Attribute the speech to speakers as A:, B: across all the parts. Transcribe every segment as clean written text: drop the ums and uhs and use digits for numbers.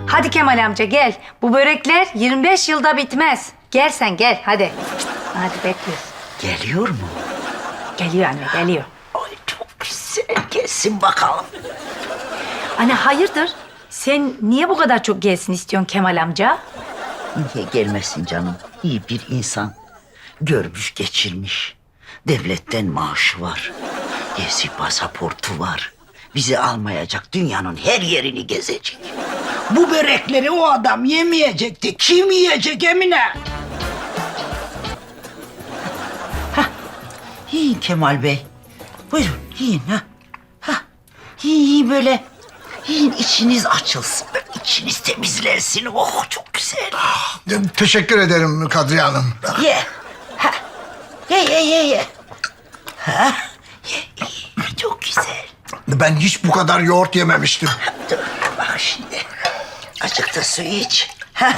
A: Hadi Kemal amca gel. Bu börekler 25 yılda bitmez. Gel sen gel hadi. Hadi bekliyoruz.
B: Geliyor mu?
A: Geliyor anne geliyor.
B: Ay çok güzel. Gelsin bakalım.
A: Anne hayırdır? Sen niye bu kadar çok gelsin istiyorsun Kemal amca?
B: Niye gelmesin canım? İyi bir insan. Görmüş geçirmiş. Devletten maaşı var. Gezi pasaportu var. Bizi almayacak, dünyanın her yerini gezecek. Bu börekleri o adam yemeyecekti. Kim yiyecek Emine? Hah, yiyin Kemal Bey. Buyurun yiyin ha. Hah, yiyin böyle. Yiyin içiniz açılsın. Böyle içiniz temizlensin. Oh çok güzel.
C: Teşekkür ederim Kadriye Hanım.
B: Ye. Ha. Ye. Ha. Ye. Çok güzel.
C: Ben hiç bu kadar yoğurt yememiştim.
B: Dur bak şimdi. Azıcık da su iç. Ha.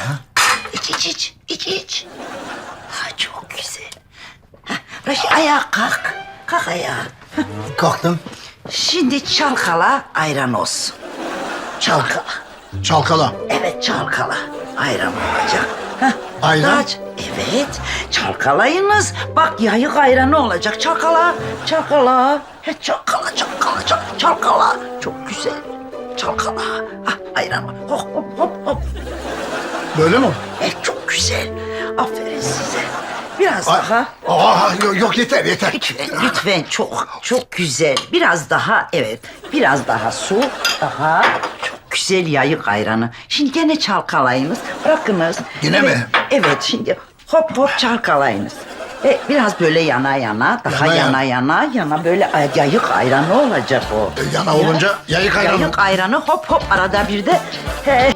B: İç. Ha çok güzel. Ha. Raşit ayağa kalk. Kalk ayağa.
C: Kalktım.
B: Şimdi çalkala ayran olsun. Çalkala.
C: Çalkala.
B: Evet çalkala. Ayran olacak. Hah,
C: Ayran?
B: aç. Evet. Çalkalayınız. Bak yayık ayranı olacak. Çalkala. He, çalkala. Çok güzel. Çalkala. Ah, ayran. Hop.
C: Böyle mi?
B: Çok güzel. Aferin size. Biraz daha.
C: Yok yeter.
B: Lütfen çok güzel. Biraz daha evet. Biraz daha su. Daha çok güzel yayık ayranı. Şimdi gene çalkalayınız. Bırakınız.
C: Yine
B: Evet,
C: mi?
B: Evet şimdi hop çalkalayınız. Biraz böyle yana. Daha yana böyle yayık ayranı olacak o.
C: Yana olunca yayık ayranı.
B: Yayık ayranı hop arada bir de. He.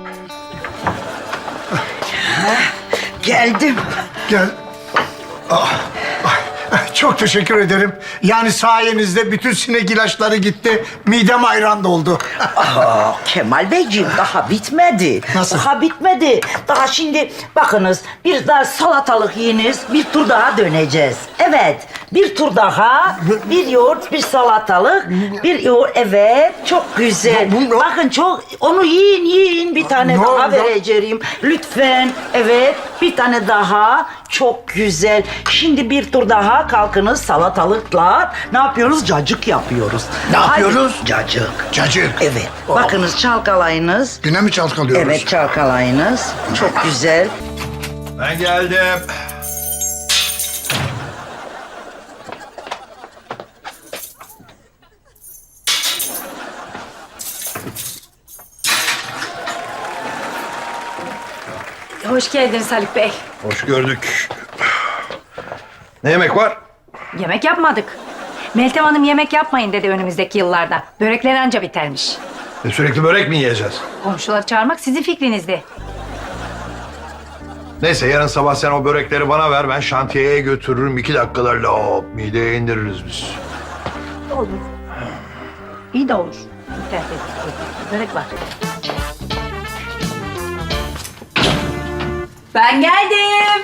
B: Geldim.
C: Gel. Çok teşekkür ederim. Yani sayenizde bütün sinek ilaçları gitti. Midem ayran doldu.
B: Kemal Beyciğim daha bitmedi.
C: Nasıl?
B: Daha bitmedi. Daha şimdi bakınız bir daha salatalık yiyiniz. Bir tur daha döneceğiz. Evet. Bir tur daha. Bir yoğurt, bir salatalık. Bir yoğurt. Evet. Çok güzel. Bakın çok. Onu yiyin. Bir tane daha vereceğim. Lütfen. Evet. Bir tane daha. Çok güzel. Şimdi bir tur daha kalkınız salatalıkla. Ne yapıyoruz? Cacık yapıyoruz.
C: Ne yapıyoruz?
B: Hadi.
C: Cacık.
B: Evet. Bakınız çalkalayınız.
C: Yine mi çalkalıyoruz?
B: Evet çalkalayınız. Çok güzel.
D: Ben geldim.
A: Hoş geldiniz Haluk Bey.
D: Hoş gördük. Ne yemek var?
A: Yemek yapmadık. Meltem Hanım yemek yapmayın dedi önümüzdeki yıllarda. Börekler anca bitermiş.
D: Sürekli börek mi yiyeceğiz?
A: Komşuları çağırmak sizin fikrinizdi.
D: Neyse yarın sabah sen o börekleri bana ver. Ben şantiyeye götürürüm. 2 dakikalarla hop mideye indiririz biz.
A: Olur. İyi de olur. Börek var. Ben geldim.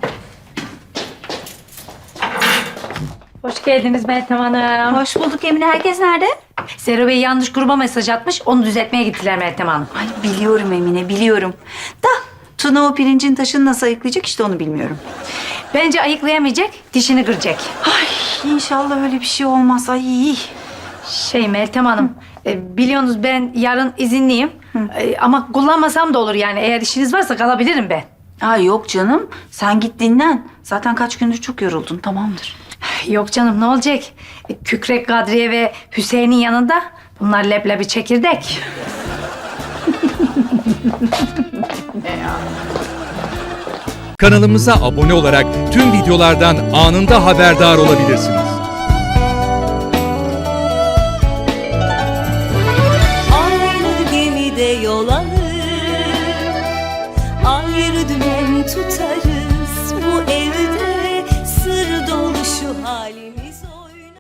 A: Hoş geldiniz Meltem Hanım.
E: Hoş bulduk Emine. Herkes nerede?
A: Zero Bey yanlış gruba mesaj atmış. Onu düzeltmeye gittiler Meltem Hanım.
E: Ay biliyorum Emine, biliyorum. Da Tuna o pirincin taşını nasıl ayıklayacak işte onu bilmiyorum.
A: Bence ayıklayamayacak, dişini kıracak.
E: Ay inşallah öyle bir şey olmaz. Ay.
A: Meltem Hanım, biliyorsunuz ben yarın izinliyim. Ama kullanmasam da olur yani. Eğer işiniz varsa kalabilirim ben.
E: Ay yok canım. Sen git dinlen. Zaten kaç gündür çok yoruldun. Tamamdır.
A: Yok canım ne olacak? Kükrek Kadriye ve Hüseyin'in yanında bunlar leblebi çekirdek.
F: Kanalımıza abone olarak tüm videolardan anında haberdar olabilirsiniz.
G: Aynı gemide yol alır, ayrı dümen tutarız.